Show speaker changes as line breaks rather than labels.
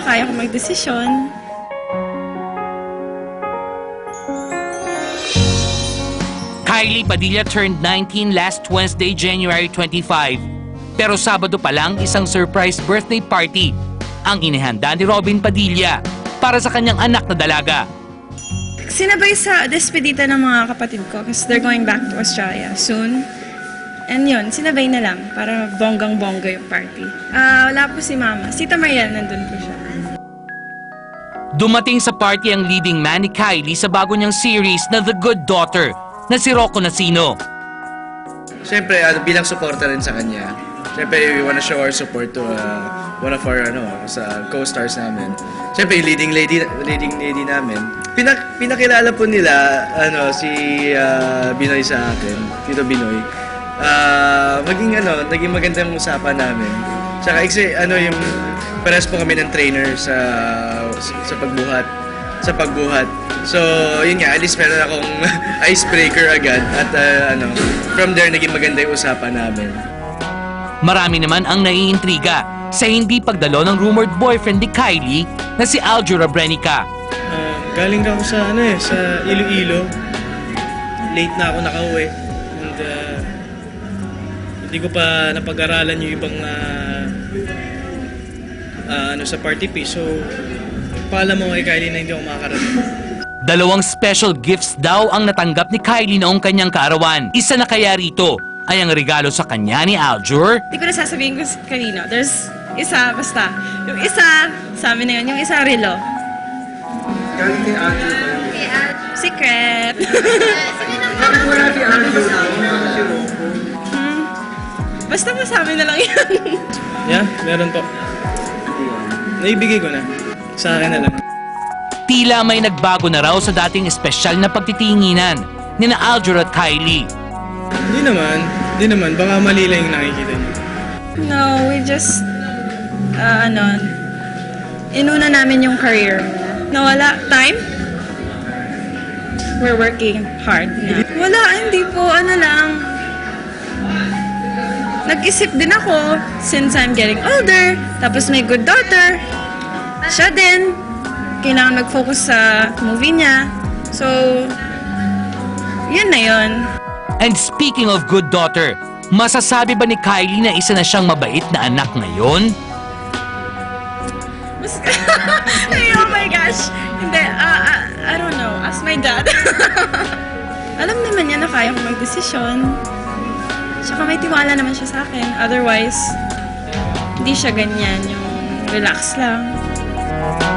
kaya ko magdesisyon.
Kylie Padilla turned 19 last Wednesday, January 25. Pero Sabado pa lang isang surprise birthday party ang inihanda ni Robin Padilla para sa kanyang anak na dalaga.
Sinabay sa despedida ng mga kapatid ko kasi they're going back to Australia soon. And yun, sinabay na lang para bonggang-bongga yung party. Wala po si Mama. Si Tita Mariel, nandun po siya.
Dumating sa party ang leading man ni Kylie sa bago niyang series na The Good Daughter na si Rocco Nacino.
Siyempre, bilang supporter rin sa kanya, siyempre, we wanna show our support to one of our sa co-stars namin. Siyempre, yung leading lady namin. Pinakilala po nila si Binoy sa akin, Tito Binoy. Naging magandang usapan namin. Tsaka yung pares po kami ng trainer sa pagbuhat. So, yun nga, at least meron akong icebreaker agad at from there naging maganda yung usapan namin.
Marami naman ang naiintriga sa hindi pagdalo ng rumored boyfriend ni Kylie na si Aljur Abrenica.
Galing ako sa Iloilo. Late na ako nakauwi. And hindi ko pa napag-aralan yung ibang sa party piece. So, paalam mo kay Kylie na hindi ako makakarating.
2 special gifts daw ang natanggap ni Kylie noong kanyang kaarawan. Isa na kaya rito ay ang regalo sa kanya ni Aljur.
Hindi ko na sasabihin ko kanino. There's isa, basta. Yung isa, sa amin na yun. Yung isa, relo.
Galing kay Aljur ba yun?
Secret.
Bakit wala kay Aljur na si Rocco?
Basta masabi na lang yan.
Yeah, meron po. Naibigay ko na. Sa akin na lang.
Tila may nagbago na raw sa dating espesyal na pagtitinginan ni na Aljur at Kylie.
Hindi naman. Baka mali lang yung nakikita niyo.
No, we just, inuna namin yung career. Nawala time. We're working hard na. Wala, hindi po, nag-isip din ako since I'm getting older. Tapos may good daughter. Siya din. Kailangan mag-focus sa movie niya. So, yun na yun.
And speaking of good daughter, masasabi ba ni Kylie na isa na siyang mabait na anak ngayon?
Ay, oh my gosh. Hindi, I don't know. Ask my dad. Alam naman niya na kaya ko magdesisyon. Tsaka may tiwala naman siya sa akin. Otherwise, hindi siya ganyan. Yung relax lang.